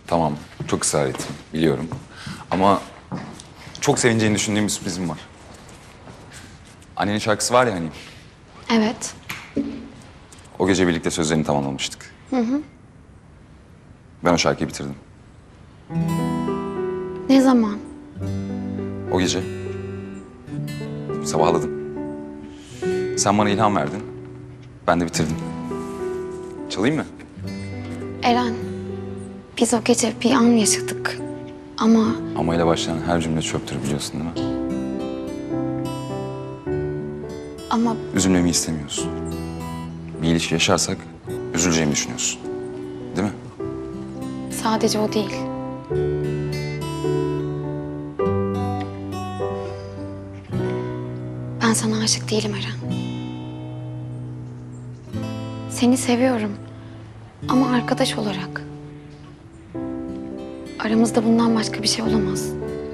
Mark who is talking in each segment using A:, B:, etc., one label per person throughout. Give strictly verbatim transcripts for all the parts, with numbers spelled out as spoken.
A: Tamam, çok ısrar ettim, biliyorum. Ama çok sevineceğini düşündüğüm bir sürprizim var. Annenin şarkısı var ya hani,
B: Evet.
A: o gece birlikte sözlerini tamamlamıştık. Hı hı. Ben o şarkıyı bitirdim.
B: Ne zaman?
A: O gece sabahladım. Sen bana ilham verdin, ben de bitirdim. Çalayım mı?
B: Eren, biz o gece bir an yaşadık. Ama
A: Ama ile başlayan her cümle çöptür biliyorsun değil mi?
B: ama
A: Üzülmemi istemiyorsun. Bir ilişki yaşarsak üzüleceğimi düşünüyorsun. Değil mi?
B: sadece o değil. Ben sana aşık değilim Eren. Seni seviyorum. Ama arkadaş olarak. Aramızda bundan başka bir şey olamaz.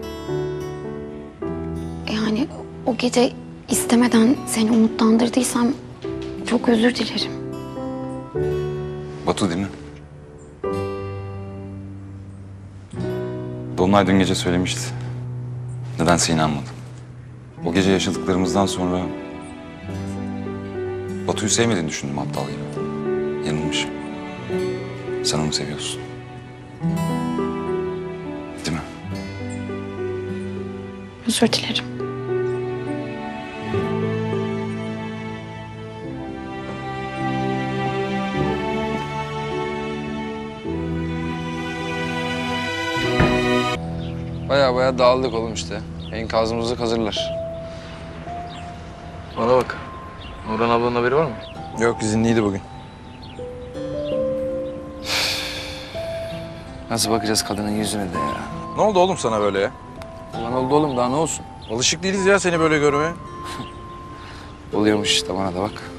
B: Yani o gece istemeden seni umutlandırdıysam çok özür dilerim.
A: Batu değil mi? Dolunay dün gece söylemişti. Nedense inanmadım. O gece yaşadıklarımızdan sonra Batu'yu sevmediğini düşündüm aptal gibi. Yanılmışım. Sen onu seviyorsun. Değil mi?
B: Özür dilerim.
C: Baya baya dağıldık oğlum işte. Enkazımızı hazırlar.
D: Bana bak. Nurhan ablanın haberi var mı?
C: Yok izinliydi bugün. Nasıl bakacağız kadının yüzüne de ya?
D: Ne oldu oğlum sana böyle ya?
C: Ulan oldu oğlum daha ne olsun?
D: Alışık değiliz ya seni böyle görmeye.
C: Oluyormuş işte bana da bak.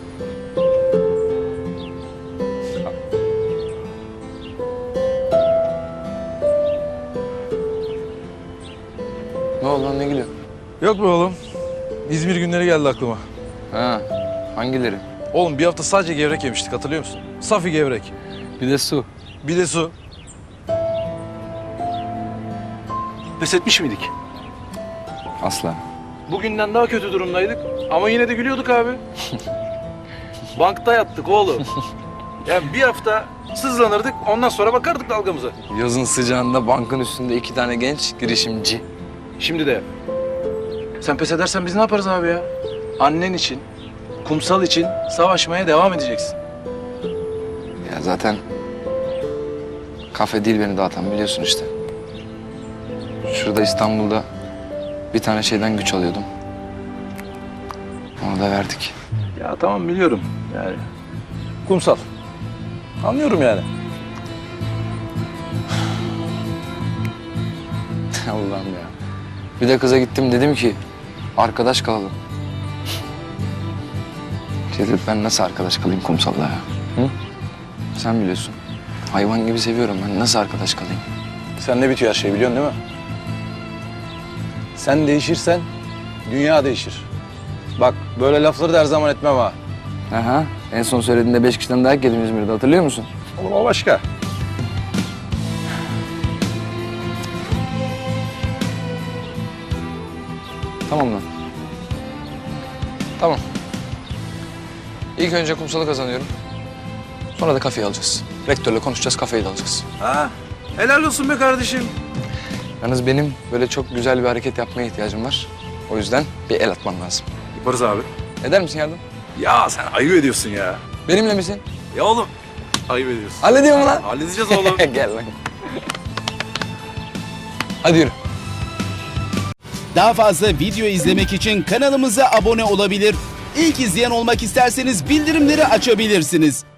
C: Ne oldu lan ne gülüyor?
D: Yok be oğlum. İzmir günleri geldi aklıma.
C: Ha hangileri?
D: Oğlum bir hafta sadece gevrek yemiştik hatırlıyor musun? Safi gevrek.
C: Bir de su.
D: Bir de su. Pes etmiş miydik?
C: Asla.
D: Bugünden daha kötü durumdaydık ama yine de gülüyorduk abi. Bankta yattık oğlum. Yani bir hafta sızlanırdık ondan sonra bakardık dalgamıza.
C: Yazın sıcağında bankın üstünde iki tane genç girişimci.
D: Şimdi de yap. Sen pes edersen biz ne yaparız abi ya? Annen için, kumsal için savaşmaya devam edeceksin.
C: Ya zaten kafe değil beni dağıtan biliyorsun işte. Şurada İstanbul'da bir tane şeyden güç alıyordum. Onu da verdik.
D: Ya tamam biliyorum yani. Kumsal. Anlıyorum yani.
C: Allah'ım ya. Bir de kıza gittim dedim ki arkadaş kalalım. Şey dedi, ben nasıl arkadaş kalayım kumsalla ya? Hı? Sen biliyorsun. Hayvan gibi seviyorum ben. Nasıl arkadaş kalayım?
D: Sen ne bitiyor her şey biliyorsun değil mi? Sen değişirsen dünya değişir. Bak böyle lafları da her zaman etmem ha.
C: Aha. En son söylediğinde beş kişiden dayak yedim İzmir'de hatırlıyor musun?
D: Oğlum o başka.
C: Tamam lan. Tamam. İlk önce kumsalı kazanıyorum. Sonra da kafeyi alacağız. Rektörle konuşacağız, kafeyi de alacağız.
D: Ha, helal olsun be kardeşim.
C: Yalnız benim böyle çok güzel bir hareket yapmaya ihtiyacım var. O yüzden bir el atman lazım.
D: Yaparız abi.
C: Eder misin yardım?
D: Ya sen ayıp ediyorsun ya.
C: Benimle misin?
D: Ya oğlum ayıp ediyorsun.
C: Hallediyor mu lan?
D: Halledeceğiz oğlum.
C: Gel lan. Hadi yürü.
E: Daha fazla video izlemek için kanalımıza abone olabilir. İlk izleyen olmak isterseniz bildirimleri açabilirsiniz.